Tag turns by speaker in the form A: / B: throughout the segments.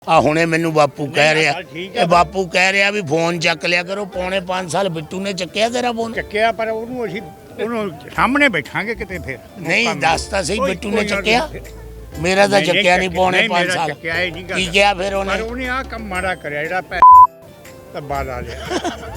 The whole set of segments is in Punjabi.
A: ਆ ਹੁਣੇ ਮੈਨੂੰ ਬਾਪੂ ਕਹਿ ਰਿਹਾ, ਇਹ ਬਾਪੂ ਕਹਿ ਰਿਹਾ ਵੀ ਫੋਨ ਚੱਕ ਲਿਆ ਕਰੋ। ਪੌਣੇ 5 ਸਾਲ ਬਿੱਟੂ ਨੇ ਚੱਕਿਆ ਤੇਰਾ ਫੋਨ?
B: ਚੱਕਿਆ, ਪਰ ਉਹਨੂੰ ਅਸੀਂ ਉਹਨੂੰ ਸਾਹਮਣੇ ਬੈਠਾਂਗੇ ਕਿਤੇ ਫਿਰ।
A: ਨਹੀਂ ਦੱਸਦਾ ਸਹੀ ਬਿੱਟੂ ਨੇ ਚੱਕਿਆ? ਮੇਰਾ ਤਾਂ ਚੱਕਿਆ ਨਹੀਂ ਪੌਣੇ 5 ਸਾਲ। ਕੀ ਕਿਹਾ ਫਿਰ ਉਹਨੇ?
B: ਪਰ ਉਹਨੇ ਆਹ ਕੰਮ ਮਾੜਾ ਕਰਿਆ ਜਿਹੜਾ ਧੱਬਾ ਲਾ ਲਿਆ।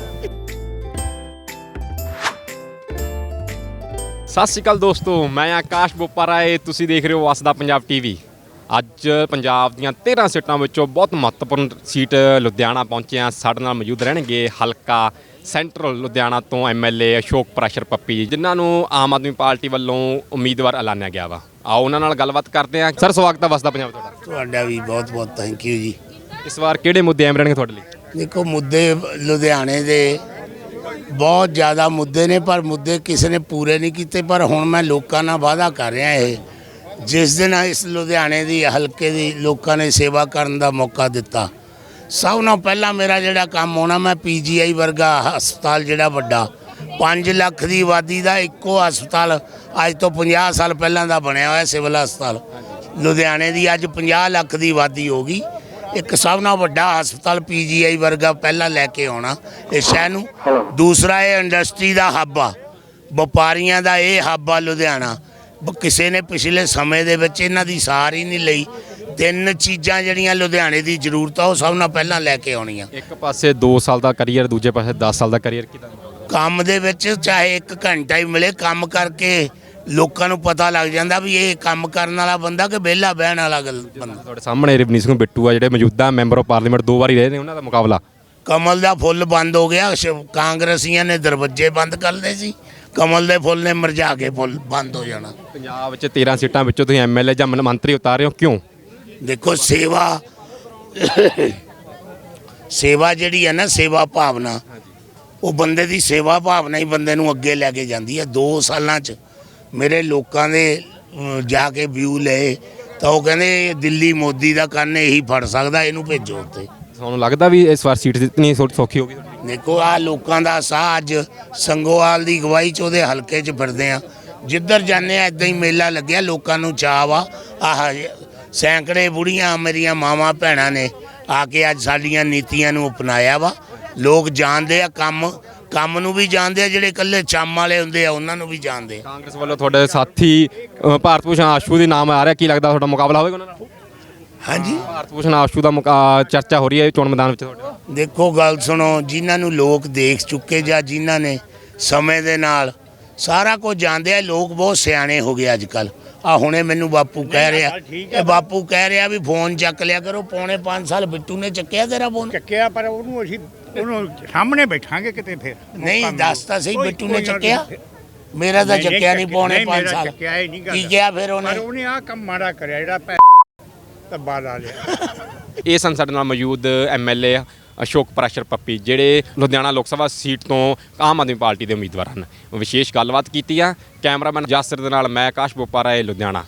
C: ਸਤਿ ਸ਼੍ਰੀ ਅਕਾਲ ਦੋਸਤੋ, ਮੈਂ ਆਕਾਸ਼ ਬੋਪਾਰਾਏ, ਤੁਸੀਂ ਦੇਖ ਰਹੇ ਹੋ ਵਸਦਾ ਪੰਜਾਬ ਟੀਵੀ। ਅੱਜ ਪੰਜਾਬ ਦੀਆਂ 13 ਸੀਟਾਂ ਵਿੱਚੋਂ ਬਹੁਤ ਮਹੱਤਵਪੂਰਨ ਸੀਟ ਲੁਧਿਆਣਾ ਪਹੁੰਚੇ ਹਾਂ। ਸਾਡੇ ਨਾਲ ਮੌਜੂਦ ਰਹਿਣਗੇ ਹਲਕਾ ਸੈਂਟਰਲ ਲੁਧਿਆਣਾ ਤੋਂ ਐਮਐਲਏ ਅਸ਼ੋਕ ਪ੍ਰੈਸ਼ਰ ਪੱਪੀ ਜੀ, ਜਿਨ੍ਹਾਂ ਨੂੰ ਆਮ ਆਦਮੀ ਪਾਰਟੀ ਵੱਲੋਂ ਉਮੀਦਵਾਰ ਐਲਾਨਿਆ ਗਿਆ ਵਾ। ਆਓ ਉਹਨਾਂ ਨਾਲ ਗੱਲਬਾਤ ਕਰਦੇ ਹਾਂ। ਸਰ, ਸਵਾਗਤ ਹੈ ਵਸਦਾ ਪੰਜਾਬ
A: ਤੁਹਾਡਾ ਵੀ ਬਹੁਤ ਬਹੁਤ ਥੈਂਕ ਯੂ ਜੀ।
C: ਇਸ ਵਾਰ ਕਿਹੜੇ ਮੁੱਦੇ ਅਹਿਮ ਰਹਿਣਗੇ ਤੁਹਾਡੇ ਲਈ?
A: ਦੇਖੋ, ਮੁੱਦੇ ਲੁਧਿਆਣੇ ਦੇ ਬਹੁਤ ਜ਼ਿਆਦਾ ਮੁੱਦੇ ਨੇ, ਪਰ ਮੁੱਦੇ ਕਿਸੇ ਨੇ ਪੂਰੇ ਨਹੀਂ ਕੀਤੇ। ਪਰ ਹੁਣ ਮੈਂ ਲੋਕਾਂ ਨਾਲ ਵਾਅਦਾ ਕਰ ਰਿਹਾ, ਇਹ ਜਿਸ ਦਿਨ ਇਸ ਲੁਧਿਆਣੇ ਦੀ ਹਲਕੇ ਦੀ ਲੋਕਾਂ ਨੇ ਸੇਵਾ ਕਰਨ ਦਾ ਮੌਕਾ ਦਿੱਤਾ, ਸਭ ਨਾਲੋਂ ਪਹਿਲਾਂ ਮੇਰਾ ਜਿਹੜਾ ਕੰਮ ਹੋਣਾ, ਮੈਂ ਪੀਜੀਆਈ ਵਰਗਾ ਹਸਪਤਾਲ ਜਿਹੜਾ ਵੱਡਾ 5 ਲੱਖ ਦੀ ਆਬਾਦੀ ਦਾ ਇੱਕੋ ਹਸਪਤਾਲ ਅੱਜ ਤੋਂ 50 ਸਾਲ ਪਹਿਲਾਂ ਦਾ ਬਣਿਆ ਹੋਇਆ ਸਿਵਲ ਹਸਪਤਾਲ ਲੁਧਿਆਣੇ ਦੀ ਅੱਜ 50 ਲੱਖ ਦੀ ਆਬਾਦੀ ਹੋ ਗਈ। ਇੱਕ ਸਭ ਨਾਲੋਂ ਵੱਡਾ ਹਸਪਤਾਲ ਪੀਜੀਆਈ ਵਰਗਾ ਪਹਿਲਾਂ ਲੈ ਕੇ ਆਉਣਾ ਇਸ ਸ਼ਹਿਰ ਨੂੰ। ਦੂਸਰਾ, ਇਹ ਇੰਡਸਟਰੀ ਦਾ ਹੱਬ ਆ, ਵਪਾਰੀਆਂ ਦਾ ਇਹ ਹੱਬ ਆ ਲੁਧਿਆਣਾ। ਕਿਸੇ ਨੇ ਪਿਛਲੇ ਸਮੇਂ ਦੇ ਵਿੱਚ ਇਹਨਾਂ ਦੀ ਸਾਰ ਹੀ ਨਹੀਂ ਲਈ। 3 ਚੀਜ਼ਾਂ ਜਿਹੜੀਆਂ ਲੁਧਿਆਣੇ ਦੀ ਜ਼ਰੂਰਤ ਆ, ਉਹ ਸਭ ਨਾਲੋਂ ਪਹਿਲਾਂ ਲੈ ਕੇ ਆਉਣੀਆਂ।
C: ਇੱਕ ਪਾਸੇ 2 ਸਾਲ ਦਾ ਕਰੀਅਰ, ਦੂਜੇ ਪਾਸੇ 10 ਸਾਲ ਦਾ ਕਰੀਅਰ।
A: ਕੰਮ ਦੇ ਵਿੱਚ ਚਾਹੇ 1 ਘੰਟਾ ਹੀ ਮਿਲੇ, ਕੰਮ ਕਰਕੇ ਲੋਕਾਂ ਨੂੰ ਪਤਾ ਲੱਗ ਜਾਂਦਾ ਵੀ ਇਹ ਕੰਮ ਕਰਨ ਵਾਲਾ ਬੰਦਾ ਕਿ ਵਿਹਲਾ ਬਹਿਣ ਵਾਲਾ ਬੰਦਾ।
C: ਤੁਹਾਡੇ ਸਾਹਮਣੇ ਰਵਨੀਤ ਸਿੰਘ ਬਿੱਟੂ ਆ, ਜਿਹੜੇ ਮੌਜੂਦਾ ਮੈਂਬਰ ਆਫ ਪਾਰਲੀਮੈਂਟ 2 ਵਾਰੀ ਰਹੇ ਨੇ, ਉਹਨਾਂ ਦਾ ਮੁਕਾਬਲਾ।
A: ਕਮਲ ਦਾ ਫੁੱਲ ਬੰਦ ਹੋ ਗਿਆ। ਕਾਂਗਰਸੀਆਂ ਨੇ ਦਰਵਾਜ਼ੇ ਬੰਦ ਕਰ ਲਏ ਸੀ, ਕਮਲ ਦੇ ਫੁੱਲ ਨੇ ਮੁਰਝਾ ਕੇ ਫੁੱਲ ਬੰਦ ਹੋ ਜਾਣਾ।
C: ਪੰਜਾਬ ਵਿੱਚ 13 ਸੀਟਾਂ ਵਿੱਚੋਂ ਤੁਸੀਂ ਐਮਐਲਏ ਜਾਂ ਮੰਤਰੀ ਉਤਾਰ ਰਹੇ ਹੋ, ਕਿਉਂ?
A: ਦੇਖੋ, ਸੇਵਾ ਜਿਹੜੀ ਹੈ ਨਾ, ਸੇਵਾ ਭਾਵਨਾ, ਉਹ ਬੰਦੇ ਦੀ ਸੇਵਾ ਭਾਵਨਾ ਹੀ ਬੰਦੇ ਨੂੰ ਅੱਗੇ ਲੈ ਕੇ ਜਾਂਦੀ ਹੈ। 2 ਸਾਲਾਂ 'ਚ ਮੇਰੇ ਲੋਕਾਂ ਦੇ ਜਾ ਕੇ ਵਿਊ ਲਏ ਤਾਂ ਉਹ ਕਹਿੰਦੇ ਦਿੱਲੀ ਮੋਦੀ ਦਾ ਕੰਨ ਇਹੀ ਫੜ ਸਕਦਾ, ਇਹਨੂੰ ਭੇਜੋ ਉੱਤੇ।
C: ਤੁਹਾਨੂੰ ਲੱਗਦਾ ਵੀ ਇਸ ਵਾਰ ਸੀਟ ਜਿੱਤਣੀ ਸੌਖੀ ਹੋਗੀ?
A: ਦੇਖੋ, ਆਹ ਲੋਕਾਂ ਦਾ ਸਾਹ ਅੱਜ ਸੰਗੋਵਾਲ ਦੀ ਅਗਵਾਈ 'ਚ ਉਹਦੇ ਹਲਕੇ 'ਚ ਫਿਰਦੇ ਆ। ਜਿੱਧਰ ਜਾਂਦੇ ਆ ਇੱਦਾਂ ਹੀ ਮੇਲਾ ਲੱਗਿਆ, ਲੋਕਾਂ ਨੂੰ ਚਾਅ ਵਾ। ਆਹ ਸੈਂਕੜੇ ਬੁੜੀਆਂ ਮੇਰੀਆਂ ਮਾਵਾਂ ਭੈਣਾਂ ਨੇ ਆ ਕੇ ਅੱਜ ਸਾਡੀਆਂ ਨੀਤੀਆਂ ਨੂੰ ਅਪਣਾਇਆ ਵਾ। ਲੋਕ ਜਾਣਦੇ ਆ, ਕੰਮ ਨੂੰ ਵੀ ਜਾਣਦੇ ਆ, ਜਿਹੜੇ ਇਕੱਲੇ ਚੰਮ ਵਾਲੇ ਹੁੰਦੇ ਆ ਉਹਨਾਂ ਨੂੰ ਵੀ ਜਾਣਦੇ ਆ।
C: ਕਾਂਗਰਸ ਵੱਲੋਂ ਤੁਹਾਡੇ ਸਾਥੀ ਭਾਰਤ ਭੂਸ਼ਣ ਆਸ਼ੂ ਦੇ ਨਾਮ ਆ ਰਿਹਾ, ਕੀ ਲੱਗਦਾ ਤੁਹਾਡਾ ਮੁਕਾਬਲਾ ਹੋਵੇਗਾ ਉਹਨਾਂ ਨਾਲ?
A: ਹਾਂਜੀ,
C: ਭਾਰਤ ਭੂਸ਼ਣ ਆਸ਼ੂ ਦਾ ਚਰਚਾ ਹੋ ਰਹੀ ਹੈ ਚੋਣ ਮੈਦਾਨ ਵਿੱਚ ਤੁਹਾਡੇ।
A: ਦੇਖੋ, ਗੱਲ ਸੁਣੋ, ਜਿਨ੍ਹਾਂ ਨੂੰ ਲੋਕ ਦੇਖ ਚੁੱਕੇ ਜਾਂ ਜਿਨ੍ਹਾਂ ਨੇ ਸਮੇਂ ਦੇ ਨਾਲ ਸਾਰਾ ਕੁਝ ਜਾਣਦੇ ਆ, ਲੋਕ ਬਹੁਤ ਸਿਆਣੇ ਹੋ ਗਏ ਅੱਜ ਕੱਲ੍ਹ। ਆ ਹੁਣੇ ਮੈਨੂੰ ਬਾਪੂ ਕਹਿ ਰਿਹਾ, ਇਹ ਬਾਪੂ ਕਹਿ ਰਿਹਾ ਵੀ ਫੋਨ ਚੱਕ ਲਿਆ ਕਰੋ। ਪੌਣੇ 5 ਸਾਲ ਬਿੱਟੂ ਨੇ ਚੱਕਿਆ ਤੇਰਾ ਫੋਨ?
B: ਚੱਕਿਆ, ਪਰ ਉਹਨੂੰ ਅਸੀਂ ਉਹਨੂੰ ਸਾਹਮਣੇ ਬੈਠਾਂਗੇ ਕਿਤੇ ਫਿਰ।
A: ਨਹੀਂ ਦੱਸਦਾ ਸਹੀ ਬਿੱਟੂ ਨੇ ਚੱਕਿਆ? ਮੇਰਾ ਤਾਂ ਚੱਕਿਆ ਨਹੀਂ ਪੌਣੇ 5 ਸਾਲ। ਕੀ ਕਿਹਾ ਫਿਰ ਉਹਨੇ?
B: ਪਰ ਉਹਨੇ ਆਹ ਕੰਮ ਮਾੜਾ ਕਰਿਆ ਜਿਹੜਾ ਧੱਬਾ ਲਾ ਲਿਆ।
C: ਇਹ ਸਨ ਸਾਡੇ ਨਾਲ ਮੌਜੂਦ ਐਮਐਲਏ ਅਸ਼ੋਕ ਪ੍ਰੈਸ਼ਰ ਪੱਪੀ, ਜਿਹੜੇ ਲੁਧਿਆਣਾ ਲੋਕ ਸਭਾ ਸੀਟ ਤੋਂ ਆਮ ਆਦਮੀ ਪਾਰਟੀ ਦੇ ਉਮੀਦਵਾਰ ਹਨ। ਵਿਸ਼ੇਸ਼ ਗੱਲਬਾਤ ਕੀਤੀ ਆ। ਕੈਮਰਾਮੈਨ ਜਾਸਰ ਦੇ ਨਾਲ ਮੈਂ ਆਕਾਸ਼ ਬੋਪਾਰਾਏ, ਲੁਧਿਆਣਾ।